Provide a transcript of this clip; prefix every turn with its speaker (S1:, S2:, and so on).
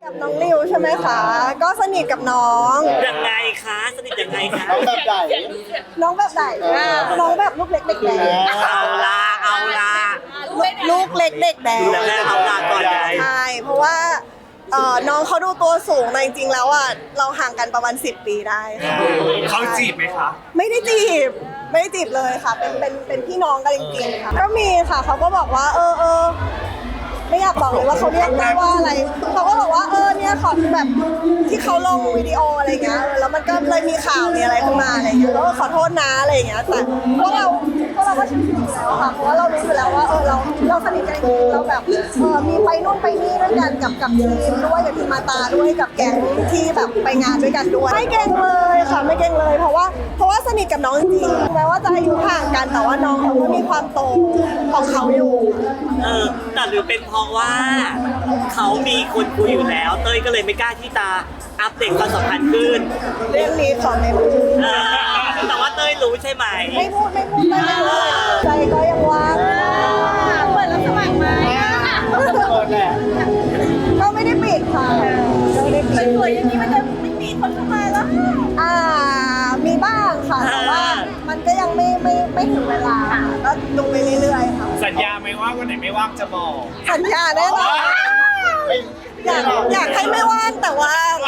S1: กับน้องริวใช่ไหมคะก็สนิทกับน้อง
S2: ยังไงคะสนิทยังไงคะ
S3: น้องแบบไหน
S1: น้องแบบไหนน้องแบบลูกเล็กเด็กแดง
S2: เอาละเอาละ
S1: ลูกเล็กเด็กแดง
S2: ดูแลเอาละก่อนไง
S1: ใช่เพราะว่าน้องเขาดูตัวสูงแต่จริงๆแล้วอ่ะเราห่างกันประมาณ10 ปีได้ค่ะ
S4: เขาจีบไหมคะ
S1: ไม่ได้จีบไม่ได้จีบเลยค่ะเป็นพี่น้องกันจริงๆค่ะก็มีค่ะเขาก็บอกว่าไม่อยากบอกเลยว่าเขาเรียกได้ว่าอะไรเขาก็บอกว่าเนี่ยขอแบบที่เขาลงวิดีโออะไรเงี้ยแล้วมันก็เลยมีข่าวมีอะไรขึ้นมาอะไรเงี้ยแล้วก็ขอโทษนะอะไรเงี้ยแต่พวกเราก็ชิวๆอยู่แล้วค่ะเพราะว่าเรารู้อยู่แล้วว่าเราสนิทกันจริงๆเราแบบมีไปนู่นไปนี่ด้วยกันกับทีมด้วยกับทีมมาตาด้วยกับแก๊งที่แบบไปงานด้วยกันด้วยไม่เก่งเลยค่ะไม่เก่งเลยเพราะว่าสนิทกับน้องจริงแม้ว่าจะอายุห่างกันแต่ว่าน้องเขาก็มีความโตของเขาอยู่
S2: แต่หรือเป็นเพราะว่าเขามีคนคุยอยู่แล้วเต้ยก็เลยไม่กล้าที่จะอัปเดตความสัมพันธ์ขึ้น
S1: เรื่องนี้ขอไม่พูด
S2: แต่ว่าเต้ยรู้ใช่ไหม
S1: ไม่พูดใจก็ยังว่างเปิดรับสมัครไหม
S3: เปิดแหละ
S1: ก็ไม่ได้ปิดค่ะก็ไม่ได้ปิดสวยอย่างนี้มันจะไม่มีคนเข้ามาแล้วมีบ้างค่ะแต่ว่ามันก็ยังไม่ถึงเวลาก็ดูไปเรื่อยๆค่ะ
S4: สัญญาไหมว่าวันไหนไม่ว่างจะบอก
S1: สัญญาแน่นอนอยากให้ไม่ว่างแต่ว่า